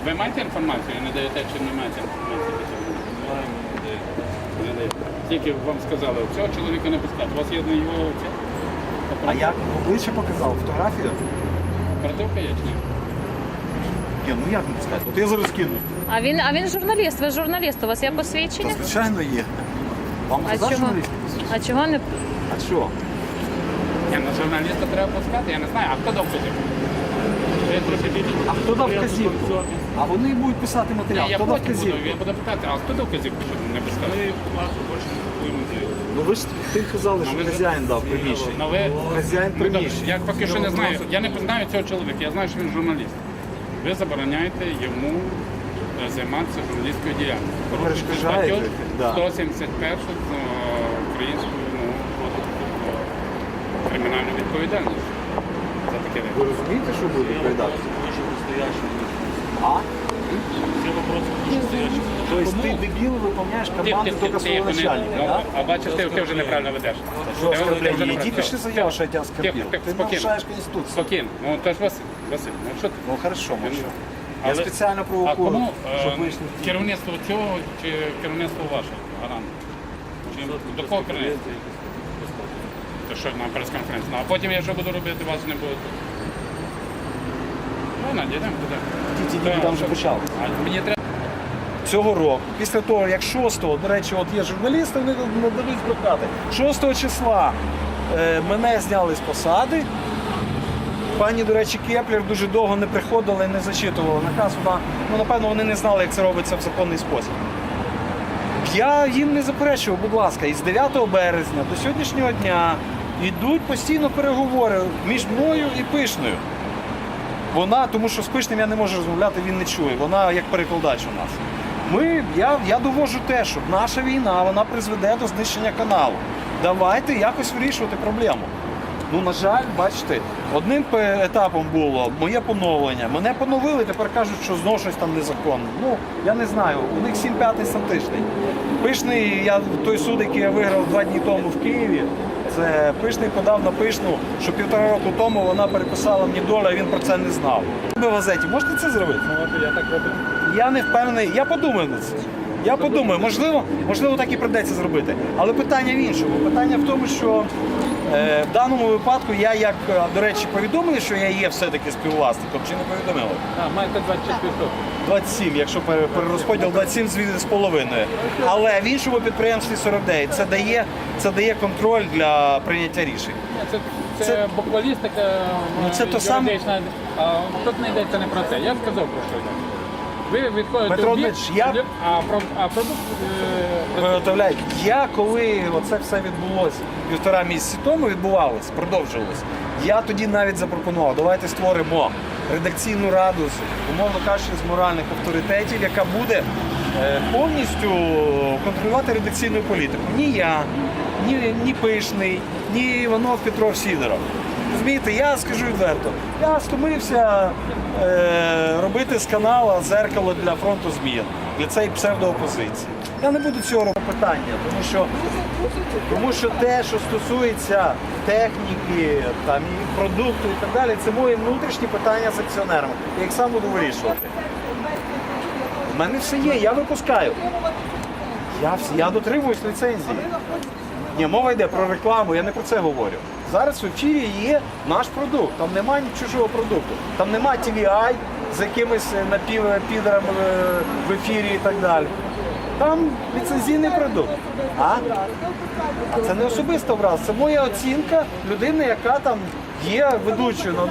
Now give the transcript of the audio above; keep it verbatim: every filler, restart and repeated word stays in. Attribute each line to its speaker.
Speaker 1: Ви маєте інформацію, не даєте чи не маєте інформацію? Не даєте. Тільки вам сказали, цього чоловіка не пускати. У вас є на його це?
Speaker 2: А як обличчя показав? Фотографію?
Speaker 1: Оперативка є чи ні?
Speaker 2: Ні, ну як не пускати? От я зараз кину.
Speaker 3: А він, а він журналіст, ви журналіст, у вас є
Speaker 2: Та
Speaker 3: посвідчення?
Speaker 2: звичайно є. Вам
Speaker 3: А
Speaker 2: казав
Speaker 3: чого?
Speaker 2: журналіст?
Speaker 3: А чого не...
Speaker 2: А що?
Speaker 1: Ні, на журналіста треба пускати, я не знаю. А хто дав вказівку? Я трохи більше.
Speaker 2: А хто дав вказівку? А вони будуть писати матеріал.
Speaker 1: Ні, я
Speaker 2: Хто дав
Speaker 1: потім буду,
Speaker 2: вказівку?
Speaker 1: я буду питати, а хто дав вказівку, щоб не пускати?
Speaker 2: Ну ви ж ти казали, що
Speaker 1: Ну, ви-
Speaker 2: хазяїн дав приміщення.
Speaker 1: Ну, ви...
Speaker 2: Хазяїн
Speaker 1: Ну, добре,
Speaker 2: приміщення.
Speaker 1: я поки що не знаю, я не знаю цього чоловіка, я знаю, що він журналіст. Ви забороняєте йому е, займатися журналістською діяльністю. Порушуєте
Speaker 2: перешкоджаєте,
Speaker 1: статтю
Speaker 2: да.
Speaker 1: сто сімдесят першу з е, українською ну, кодексу про кримінальну відповідальність за таке
Speaker 2: Ви
Speaker 1: речі.
Speaker 2: розумієте, що буде відповідати? А? Тобто ти дебіл виповняєш команду тільки свого начальника,
Speaker 1: ну,
Speaker 2: так?
Speaker 1: а бачиш, ти, ти вже неправильно ведеш.
Speaker 2: Що
Speaker 1: Ти вже- ти вже
Speaker 2: оскорблення?
Speaker 1: неправильно.
Speaker 2: Іди пиши заяву, що я тебе
Speaker 1: Тихо,
Speaker 2: оскорбив.
Speaker 1: тихо,
Speaker 2: Ти
Speaker 1: спокійно.
Speaker 2: нарушаєш Конституцію.
Speaker 1: Спокійно. Ну, то ж Василь, Василь, ну що ти?
Speaker 2: Ну хорошо, мовчу. Я
Speaker 1: Але-
Speaker 2: спеціально
Speaker 1: А
Speaker 2: провокую,
Speaker 1: кому е,
Speaker 2: щоб вийшли.
Speaker 1: керівництво цього чи керівництво ваше? Гарант? Чи до кого керівництва? То що на прес-конференції? Ну, а потім я що буду робити, вас не буде. Ну, надійдемо туди.
Speaker 2: Ті, ті, ті, там вже почали.
Speaker 1: А мені треба.
Speaker 2: Цього року, після того, як шостого, до речі, от є журналісти, вони дадуть брехати. шостого числа е, мене зняли з посади. Пані, до речі, Кеплер дуже довго не приходила і не зачитувала наказ. Вона, ну, напевно, вони не знали, як це робиться в законний спосіб. Я їм не заперечував, будь ласка, і з дев'ятого березня до сьогоднішнього дня йдуть постійно переговори між мною і Пишною. Вона, тому що з Пишним я не можу розмовляти, він не чує. Вона як перекладач у нас. Ми, я, я довожу те, що наша війна вона призведе до знищення каналу. Давайте якось вирішувати проблему. Ну, на жаль, бачите, одним пе- етапом було моє поновлення. Мене поновили, тепер кажуть, що знову щось там незаконно. Ну, я не знаю, у них сім п'ятий сантичний. Пишний, я той суд, який я виграв два дні тому в Києві, це Пишний подав на Пишну, що півтора року тому вона переписала мені долю, а він про це не знав. Ви в газеті можете це зробити?
Speaker 1: Ну, от я так роблю.
Speaker 2: Я не впевнений, я подумаю на це. Я подумаю, можливо, можливо, так і прийдеться зробити. Але питання в іншому. Питання в тому, що е, в даному випадку я, як, е, до речі, повідомили, що я є все-таки співвласником, чи не повідомили?
Speaker 1: А, маєте двадцять шість відсотків.
Speaker 2: двадцять сім, якщо пере- перерозподіл двадцять сім з- з половиною. Але в іншому підприємстві сорок дев'ять. Це дає, це дає контроль для прийняття рішень.
Speaker 1: Це, це,
Speaker 2: Це-
Speaker 1: буквалістика,
Speaker 2: Ну, це то саме-
Speaker 1: юридична. А, тут не йдеться не про це. Я сказав про що йде. Ви відходите
Speaker 2: Петро
Speaker 1: в бік,
Speaker 2: Дмитрович, я-
Speaker 1: а, про, а продукт е,
Speaker 2: Виготовляють. Я коли оце все відбулося півтора місяці тому, відбувалося, продовжувалося, я тоді навіть запропонував, давайте створимо редакційну раду, з, умовно кажучи, з моральних авторитетів, яка буде е, повністю контролювати редакційну політику. Ні я, ні, ні Пишний, ні Іванов, Петров, Сідоров. Розумієте, я скажу відверто, я стомився е, робити з канала зеркало для фронту змін, для цієї псевдоопозиції. Я не буду цього робити питання, тому що, тому що те, що стосується техніки, там, і продукту і так далі, це мої внутрішні питання з акціонерами. Я їх сам буду вирішувати. У мене все є, я випускаю. Я, вс- я дотримуюсь ліцензії. Ні, мова йде про рекламу, я не про це говорю. Зараз в ефірі є наш продукт, там немає чужого продукту. Там немає ті ві ай з якимись напівпідерами в ефірі і так далі. Там ліцензійний продукт. А? А це не особиста образ, це моя оцінка людини, яка там є ведучою на